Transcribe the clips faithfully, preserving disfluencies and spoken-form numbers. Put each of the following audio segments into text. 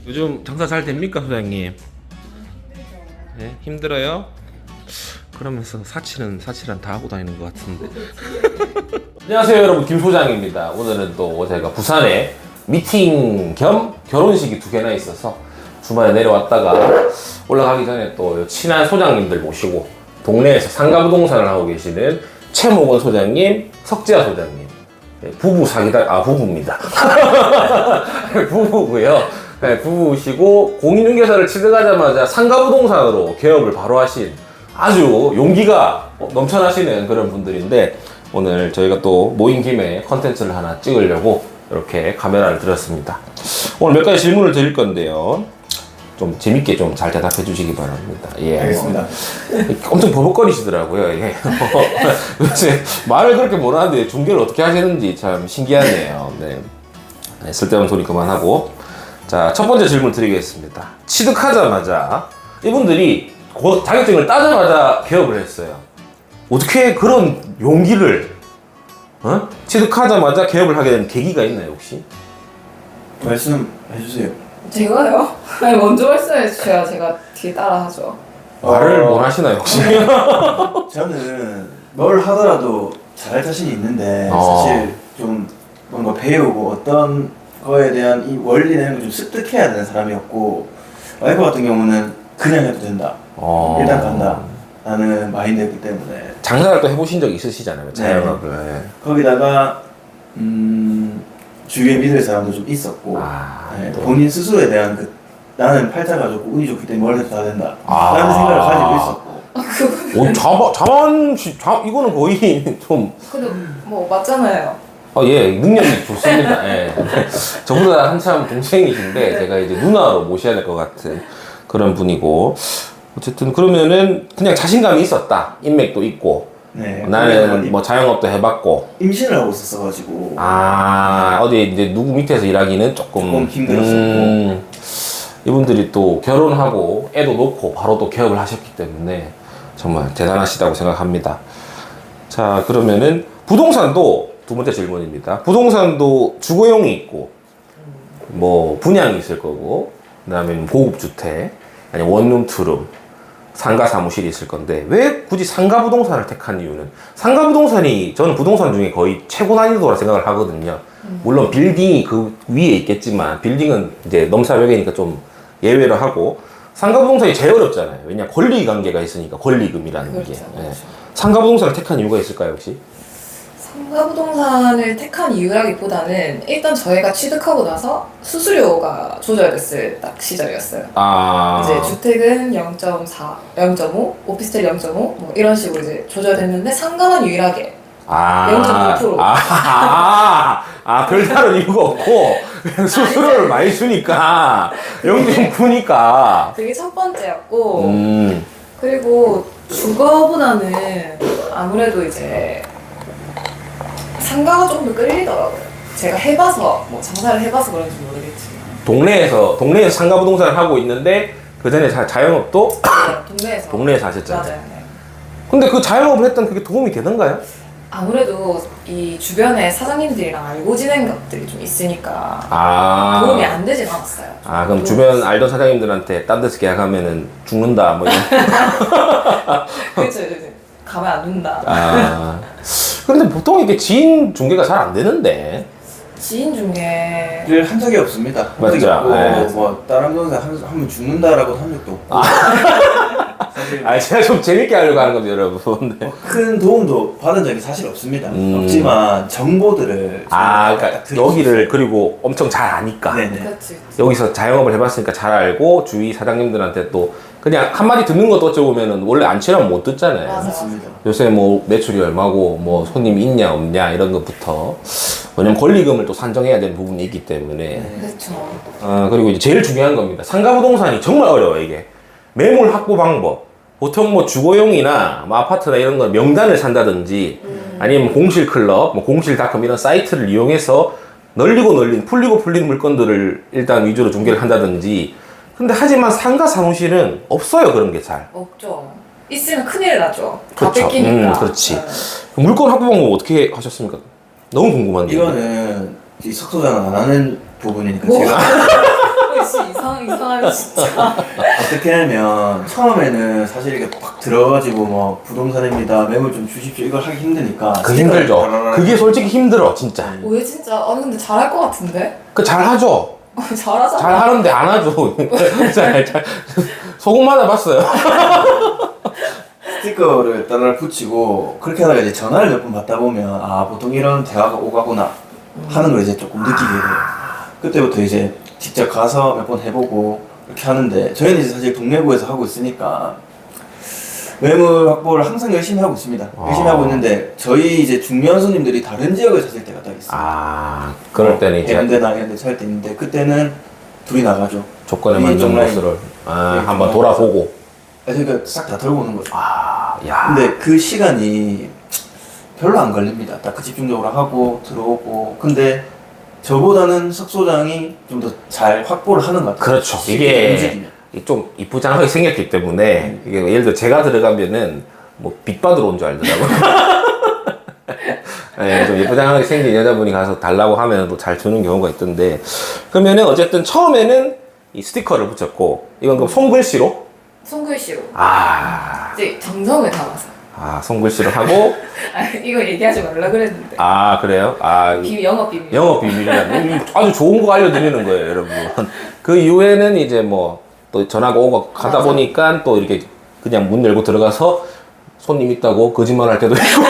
요즘 장사 잘 됩니까, 소장님? 네? 힘들어요? 그러면서 사치는 사치란 다 하고 다니는 것 같은데. 안녕하세요, 여러분. 김 소장입니다. 오늘은 또 제가 부산에 미팅 겸 결혼식이 두 개나 있어서 주말에 내려왔다가 올라가기 전에 또 친한 소장님들 모시고 동네에서 상가부동산을 하고 계시는 최목원 소장님, 석재아 소장님, 부부 사기다, 아 부부입니다. 부부고요. 네, 부부시고 공인중개사를 취득하자마자 상가부동산으로 개업을 바로 하신 아주 용기가 넘쳐나시는 그런 분들인데, 오늘 저희가 또 모인 김에 컨텐츠를 하나 찍으려고 이렇게 카메라를 들었습니다. 오늘 몇 가지 질문을 드릴 건데요. 좀 재밌게 좀 잘 대답해 주시기 바랍니다. 예. 알겠습니다. 엄청 버벅거리시더라고요. 예. 요새 말을 그렇게 못하는데 중계를 어떻게 하시는지 참 신기하네요. 네. 네, 쓸데없는 소리 그만하고. 자, 첫 번째 질문 드리겠습니다. 취득하자마자 이분들이 곧 자격증을 따자마자 개업을 했어요. 어떻게 그런 용기를 어? 취득하자마자 개업을 하게 된 계기가 있나요, 혹시? 말씀해 주세요. 제가요? 아니 먼저 말씀해 주셔야 제가 뒤에 따라하죠. 말을 어, 못 하시나요, 혹시? 저는 뭘 하더라도 잘할 자신이 있는데 어. 사실 좀 뭔가 배우고 어떤 거에 대한 이 원리는 좀 습득해야 되는 사람이었고, 와이프 같은 경우는 그냥 해도 된다. 어. 일단 간다. 라는 마인드였기 때문에 장사를 또 해보신 적 있으시잖아요, 자영업을. 네. 거기다가 음, 주위에 믿을 사람도 좀 있었고, 아, 네, 또. 본인 스스로에 대한 그 나는 팔자가 좋고 운이 좋기 때문에 뭘 해도 다 된다 아. 라는 생각을 가지고 있었고. 오, 자바, 자만, 자, 이거는 거의 좀, 근데 뭐 맞잖아요. 어, 예, 능력이 좋습니다. 예. 저보다 한참 동생이신데, 제가 이제 누나로 모셔야 될 것 같은 그런 분이고. 어쨌든, 그러면은 그냥 자신감이 있었다. 인맥도 있고. 네, 나는 뭐 자영업도 해봤고. 임신을 하고 있었어가지고 아, 어디 이제 누구 밑에서 일하기는 조금. 조금 힘들었었고. 음, 이분들이 또 결혼하고 애도 놓고 바로 또 개업을 하셨기 때문에 정말 대단하시다고 생각합니다. 자, 그러면은 부동산도 두 번째 질문입니다. 부동산도 주거용이 있고 뭐 분양이 있을 거고, 그 다음에 고급 주택, 아니 원룸, 투룸, 상가 사무실이 있을 건데, 왜 굳이 상가 부동산을 택한 이유는? 상가 부동산이 저는 부동산 중에 거의 최고 난이도라 생각을 하거든요. 물론 빌딩이 그 위에 있겠지만 빌딩은 이제 넘사벽이니까 좀 예외로 하고, 상가 부동산이 제일 어렵잖아요. 왜냐, 권리 관계가 있으니까, 권리금이라는 그렇죠, 게. 예. 그렇죠. 상가 부동산을 택한 이유가 있을까요, 혹시? 상가부동산을 택한 이유라기보다는 일단 저희가 취득하고 나서 수수료가 조절됐을 딱 시절이었어요. 아. 이제 주택은 영 점 사, 영 점 오, 오피스텔 영 점 오, 뭐 이런 식으로 이제 조절됐는데 상가만 유일하게 아. 영 점 오 퍼센트. 아, 아, 아, 별다른 이유가 없고, 그냥 수수료를 많이 주니까, 영 점 구니까. 그게 첫 번째였고, 음. 그리고 주거보다는 아무래도 이제 상가가 조금 더 끌리더라고요. 제가 해봐서, 뭐 장사를 해봐서 그런지 모르겠지만. 동네에서, 동네에서 상가 부동산을 하고 있는데, 그 전에 자, 자영업도 네, 동네에서. 동네에서 하셨잖아요. 맞아요. 네. 근데 그 자영업을 했던 그게 도움이 되던가요? 아무래도 이 주변에 사장님들이랑 알고 지낸 것들이 좀 있으니까 아. 도움이 안 되진 않았어요. 아, 그럼 도움이 주변 알던 사장님들한테 딴 데서 계약하면은 죽는다, 뭐 이런. 그렇죠, 그렇죠. 가면 안 된다. 아. 근데 보통 이게 지인 중개가 잘 안 되는데. 지인 중에 일을 한 적이 없습니다. 한 맞죠? 적이 없고, 네. 뭐 다른 부동산 하면 죽는다라고 한 적도 없고. 사실 아, 제가 좀 재밌게 하려고 하는 겁니다, 여러분. 네. 뭐 큰 도움도 받은 적이 사실 없습니다. 음. 없지만 정보들을 아, 좀 그러니까 드리고 여기를 그리고 엄청 잘 아니까. 네네. 그렇지. 여기서 자영업을 해봤으니까 잘 알고, 주위 사장님들한테 또 그냥 한마디 듣는 것도 어찌 보면은 원래 안 친하면 못 듣잖아요. 맞아. 맞습니다. 요새 뭐 매출이 얼마고, 뭐 손님이 있냐 없냐 이런 것부터. 왜냐면 권리금을 또 산정해야 되는 부분이 있기 때문에. 네. 그렇죠. 아, 그리고 이제 제일 중요한 겁니다. 상가 부동산이 정말 어려워요, 이게. 매물 확보 방법. 보통 뭐 주거용이나 뭐 아파트나 이런 건 명단을 산다든지, 음. 아니면 공실 클럽, 뭐 공실닷컴 이런 사이트를 이용해서 널리고 널린, 풀리고 풀린 물건들을 일단 위주로 중개를 한다든지. 근데 하지만 상가 사무실은 없어요, 그런 게 잘. 없죠. 있으면 큰일 나죠. 다 그렇죠. 뺏기니까. 음, 그렇지. 네. 물건 확보 방법 어떻게 하셨습니까? 너무 궁금한데. 이거는 이 석소장은 안 하는 부분이니까 뭐? 제가 아저씨 이상 이상하네 진짜. 어떻게 하면 처음에는 사실 이렇게 팍 들어가지고 뭐 부동산입니다 매물 좀 주십시오 이걸 하기 힘드니까 그 스티커를 힘들죠. 따라라라 그게 솔직히 힘들어 진짜. 왜 진짜? 아니 근데 잘할 것 같은데? 그 잘하죠. 잘하잖아. 잘 하는데 안 하죠. 잘, 잘. 소금 맞아봤어요. 스티커를 따라 붙이고 그렇게 하다가 이제 전화를 몇 번 받다 보면 아 보통 이런 대화가 오가구나 하는 걸 이제 조금 느끼게 돼요. 그때부터 이제 직접 가서 몇 번 해보고 이렇게 하는데 저희는 이제 사실 동래구에서 하고 있으니까 매물 확보를 항상 열심히 하고 있습니다. 열심히 아. 하고 있는데 저희 이제 중요한 손님들이 다른 지역에 사실 때가 딱 있어요. 아, 그럴 때는 이제 해운대나 이런 데 살 때 있는데 그때는 둘이 나가죠. 조건에 이 맞는 정라인. 곳을 아, 네, 한번 정말. 돌아보고. 그러니까 싹 다 털고 오는 거죠. 아, 야. 근데 그 시간이 별로 안 걸립니다. 딱 그 집중적으로 하고 들어오고. 근데 저보다는 석 소장이 좀 더 잘 확보를 하는 것 같아요. 그렇죠. 쉽게 이게 움직이면. 좀 이쁘장하게 생겼기 때문에 이게 예를 들어 제가 들어가면은 뭐 빚받으러 온 줄 알더라고요. 네, 좀 예쁘장하게 생긴 여자분이 가서 달라고 하면 또 잘 주는 경우가 있던데 그러면은 어쨌든 처음에는 이 스티커를 붙였고 이건 그럼 손글씨로? 손글씨로. 아, 이제 정성을 담아서. 아 손글씨로 하고 아 이거 얘기하지 말라 그랬는데. 아 그래요? 아 비밀 영업 비밀. 영업 비밀이라는 아주 좋은 거 알려드리는 거예요, 여러분. 그 이후에는 이제 뭐 또 전화가 오고 가다 맞아. 보니까 또 이렇게 그냥 문 열고 들어가서 손님 있다고 거짓말 할 때도 있고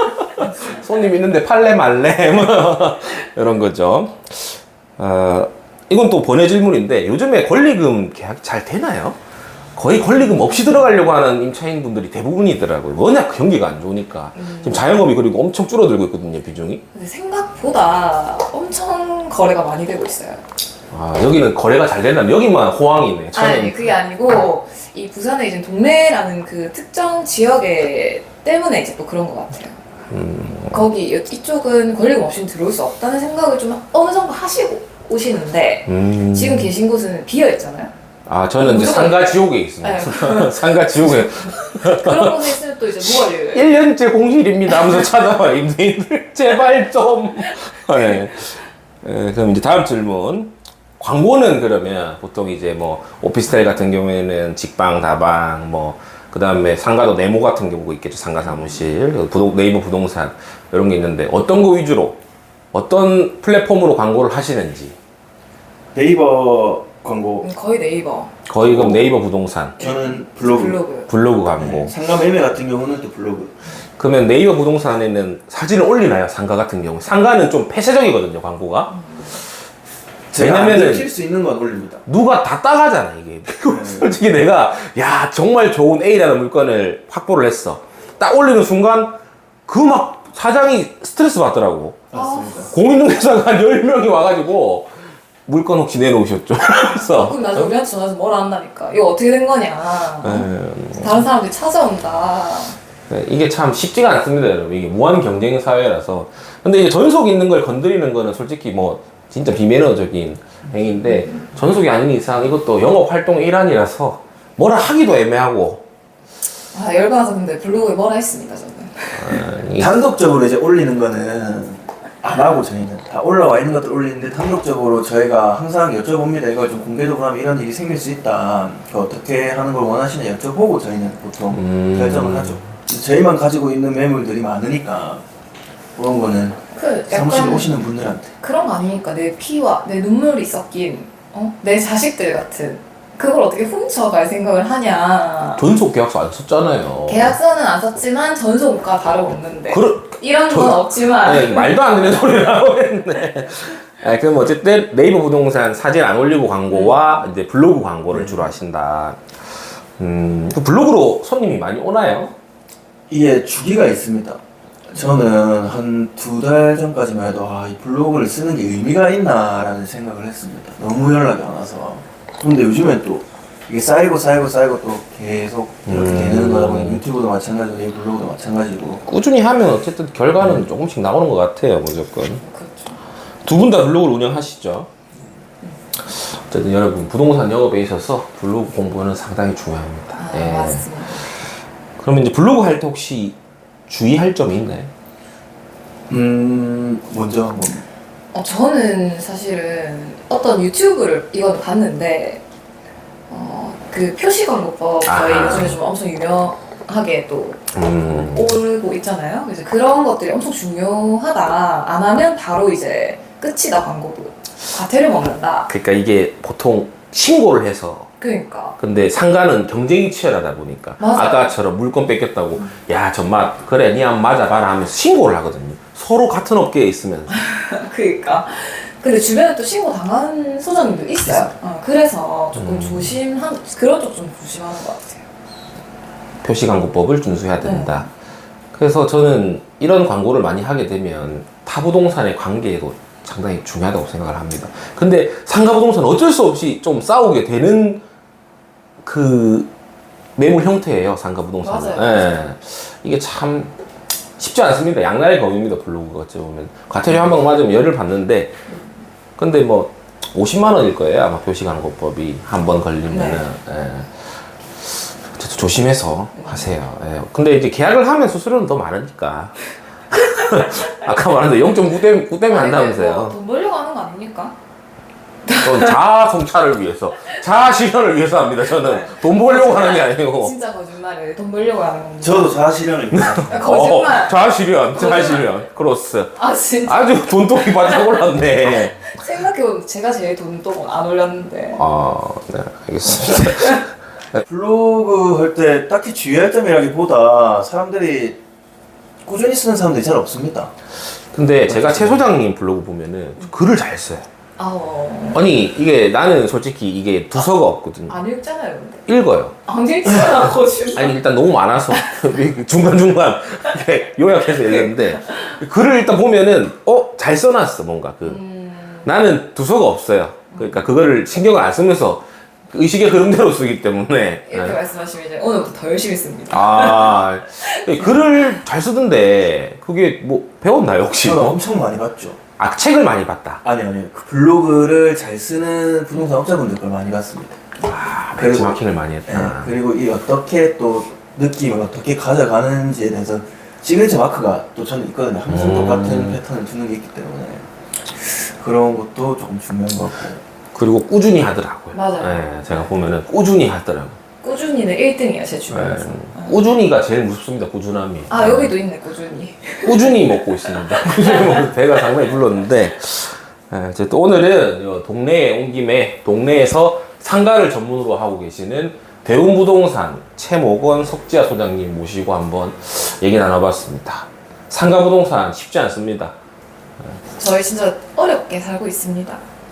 손님 있는데 팔래 말래 뭐 이런 거죠. 어, 이건 또 번외 질문인데 요즘에 권리금 계약 잘 되나요? 거의 권리금 없이 들어가려고 하는 임차인 분들이 대부분이더라고요. 워낙 경기가 안 좋으니까. 음. 지금 자영업이 그리고 엄청 줄어들고 있거든요, 비중이. 근데 생각보다 엄청 거래가 많이 되고 있어요. 아, 여기는 거래가 잘 되려면 여기만 호황이네. 저는 아니 그게 아니고 이 부산의 이제 동래라는 그 특정 지역에 때문에 이제 또 그런 것 같아요. 음, 거기 이- 이쪽은 권리금 없이는 들어올 수 없다는 생각을 좀 어느 정도 하시고 오시는데 음. 지금 계신 곳은 비어 있잖아요. 아, 저는 이제 무조건- 상가 지옥에 있습니다. 네. 상가 지옥에 그런 곳에 있으면 또 이제 뭐가 돼요? 일 년째 공실입니다 하면서 찾아와 임대인들 제발 좀. 네. 네, 그럼 이제 다음 질문. 광고는 그러면 보통 이제 뭐 오피스텔 같은 경우에는 직방, 다방, 뭐 그 다음에 상가도 네모 같은 경우가 있겠죠. 상가 사무실, 부동, 네이버 부동산 이런 게 있는데 어떤 거 위주로 어떤 플랫폼으로 광고를 하시는지. 네이버 광고 음, 거의 네이버 거의 그럼 네이버 부동산, 저는 블로그, 블로그. 블로그 광고. 네, 상가 매매 같은 경우는 또 블로그. 그러면 네이버 부동산에는 사진을 올리나요? 상가 같은 경우. 상가는 좀 폐쇄적이거든요, 광고가. 제가 안 왜냐면은 들킬 수 있는 건 올립니다. 누가 다 따가잖아, 이게. 솔직히 내가, 야, 정말 좋은 A라는 물건을 확보를 했어. 딱 올리는 순간, 그 막 사장이 스트레스 받더라고. 맞습니다. 공인중개사가 한 열 명이 와가지고, 물건 혹시 내놓으셨죠? 그래서. 그럼 나중에 우리한테 전화해서 뭐라 한다니까. 이거 어떻게 된 거냐. 에, 다른 사람들이 찾아온다. 네, 이게 참 쉽지가 않습니다, 여러분. 이게 무한 경쟁 사회라서. 근데 이제 전속 있는 걸 건드리는 거는 솔직히 뭐, 진짜 비매너적인 행위인데, 전속이 아닌 이상 이것도 영업 활동의 일환이라서, 뭐라 하기도 애매하고, 아 열받아서 근데 블로그에 뭐라 했습니다 저는. 아, 이- 단독적으로 이제 올리는 거는 안 하고 저희는 다 올라와 있는 것들 올리는데 단독적으로 저희가 항상 여쭤봅니다. 이걸 좀 공개적으로 하면 이런 일이 생길 수 있다. 그 어떻게 하는 걸 원하시냐 여쭤보고 저희는 보통 음. 결정을 하죠. 저희만 가지고 있는 매물들이 많으니까 그런 거는 그 사무실에 약간 오시는 분들한테 그런 거 아니니까 내 피와 내 눈물이 섞인 어? 내 자식들 같은 그걸 어떻게 훔쳐갈 생각을 하냐. 전속 계약서 안 썼잖아요. 계약서는 안 썼지만 전속과 다름없는데 그러, 이런 저- 건 없지만 네, 말도 안 되는 소리를 하고 있네. 아, 그럼 어쨌든 네이버 부동산 사진 안 올리고 광고와 이제 블로그 광고를 주로 하신다. 음, 그 블로그로 손님이 많이 오나요? 이게 주기가 있습니다. 저는 한 두 달 전까지만 해도 아, 이 블로그를 쓰는 게 의미가 있나라는 생각을 했습니다. 너무 연락이 안 와서. 근데 요즘엔 또 이게 쌓이고 쌓이고 쌓이고 또 계속 이렇게 음. 되는 거다 보니 유튜브도 마찬가지고 이 블로그도 마찬가지고 꾸준히 하면 어쨌든 결과는 조금씩 나오는 것 같아요, 무조건. 그렇죠. 두 분 다 블로그를 운영하시죠? 어쨌든 여러분, 부동산 영업에 있어서 블로그 공부는 상당히 중요합니다. 아 예. 맞습니다. 그러면 이제 블로그 할 때 혹시 주의할 점이 있나요? 음 먼저 뭐 어, 저는 사실은 어떤 유튜브를 이건 봤는데 어, 그 표시광고법 저희 아. 요즘에 좀 엄청 유명하게 또 음. 오르고 있잖아요. 그래서 그런 것들이 엄청 중요하다. 안 하면 바로 이제 끝이다 광고도. 과태료 먹는다. 그러니까 이게 보통 신고를 해서 그러니까. 근데 상가는 경쟁이 치열하다 보니까 맞아요. 아까처럼 물건 뺏겼다고 야 정말 그래 니 한번 맞아봐라 하면서 신고를 하거든요. 서로 같은 업계에 있으면서. 그러니까. 근데 주변에 또 신고 당한 소장님도 있어요. 어, 그래서 조금 음. 조심한 그런 쪽 좀 조심하는 것 같아요. 표시광고법을 준수해야 된다. 그래서 저는 이런 광고를 많이 하게 되면 타부동산의 관계에도 상당히 중요하다고 생각을 합니다. 근데 상가부동산은 어쩔 수 없이 좀 싸우게 되는 그 매물 형태예요, 상가부동산은. 맞아요. 예. 이게 참 쉽지 않습니다. 양날의 검입니다, 블로그가 어찌 보면. 과태료 한 방 맞으면 열을 받는데, 근데 뭐 오십만 원일 거예요, 아마 표시광고법이 한 번 걸리면은. 예. 어쨌든 조심해서 하세요. 예. 근데 이제 계약을 하면 수수료는 더 많으니까. 아까 말한 영 점 구 때문에 아니, 뭐 한다면서요. 돈 벌려고 하는 거 아닙니까? 저는 자아 성찰을 위해서, 자아 실현을 위해서 합니다. 저는 돈 벌려고 하는 게 아니고. 진짜 거짓말이에요. 돈 벌려고 하는 겁니다. 저도 자아실현을 위해서 아, 거짓말. 어, 자아 실현, 자아 거짓말. 실현. 크로스. 아 진짜. 아주 돈독이 바짝 올랐네. 생각해보면 제가 제일 돈도 안 올렸는데. 아, 네, 알겠습니다. 블로그 할 때 딱히 주의할 점이라기보다 사람들이 꾸준히 쓰는 사람들이 잘 없습니다. 근데 제가 최 소장님 블로그 보면은 글을 잘 써요. 아우. 아니, 이게 나는 솔직히 이게 두서가 없거든요. 안 읽잖아요, 근데. 읽어요. 안 읽잖아, 거짓말. 아니, 일단 너무 많아서 중간중간 이렇게 요약해서 읽었는데 글을 일단 보면은 어? 잘 써놨어, 뭔가. 그 음, 나는 두서가 없어요. 그러니까 그거를 신경을 안 쓰면서 그 의식의 흐름대로 쓰기 때문에. 이렇게 네. 말씀하시면 이제 오늘부터 더 열심히 씁니다. 아, 글을 잘 쓰던데 그게 뭐 배웠나요 혹시? 저는 뭐? 엄청 많이 봤죠. 아, 책을 많이 봤다. 아니 아니 그 블로그를 잘 쓰는 부동산 업자분들 걸 많이 봤습니다. 아, 그리고- 벤치마킹을 많이 예, 했다. 그리고 이 어떻게 또 느낌을 어떻게 가져가는지에 대해서 시그니처 마크가 또 저는 있거든요. 항상 음. 똑같은 패턴을 두는 게 있기 때문에 그런 것도 조금 중요한 것 같고. 그리고 꾸준히 하더라고요. 맞아요. 네, 제가 보면은 꾸준히 하더라고요. 꾸준히는 일 등이에요, 제 네. 주변에서. 꾸준히가 제일 무섭습니다. 꾸준함이. 아, 여기도 있네, 꾸준히. 꾸준히 먹고 있습니다. 꾸준히 먹고 배가 상당히 불렀는데, 예, 이제 또 오늘은 요 동네에 온 김에 동네에서 상가를 전문으로 하고 계시는 대운부동산 최모건 석지아 소장님 모시고 한번 얘기 나눠봤습니다. 상가부동산 쉽지 않습니다. 저희 진짜 어렵게 살고 있습니다.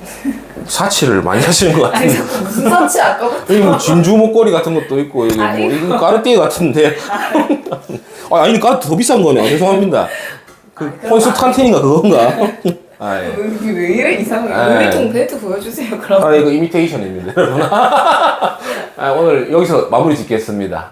사치를 많이 하시는 것 아니, 같은데. 자꾸 무슨 사치 아까부터. 여기 뭐 진주 목걸이 같은 것도 있고, 여기 뭐, 아니, 이거 까르띠에 같은데. 아, 아니, 까르띠 더 비싼 거네. 죄송합니다. 그, 아, 그럼 콘스탄틴인가 그건가? 아, 예. 여기 왜 이래 이상해. 아, 유리통 벨트 보여주세요, 그럼. 아, 이거 이미테이션입니다, 여러분. 아, 오늘 여기서 마무리 짓겠습니다.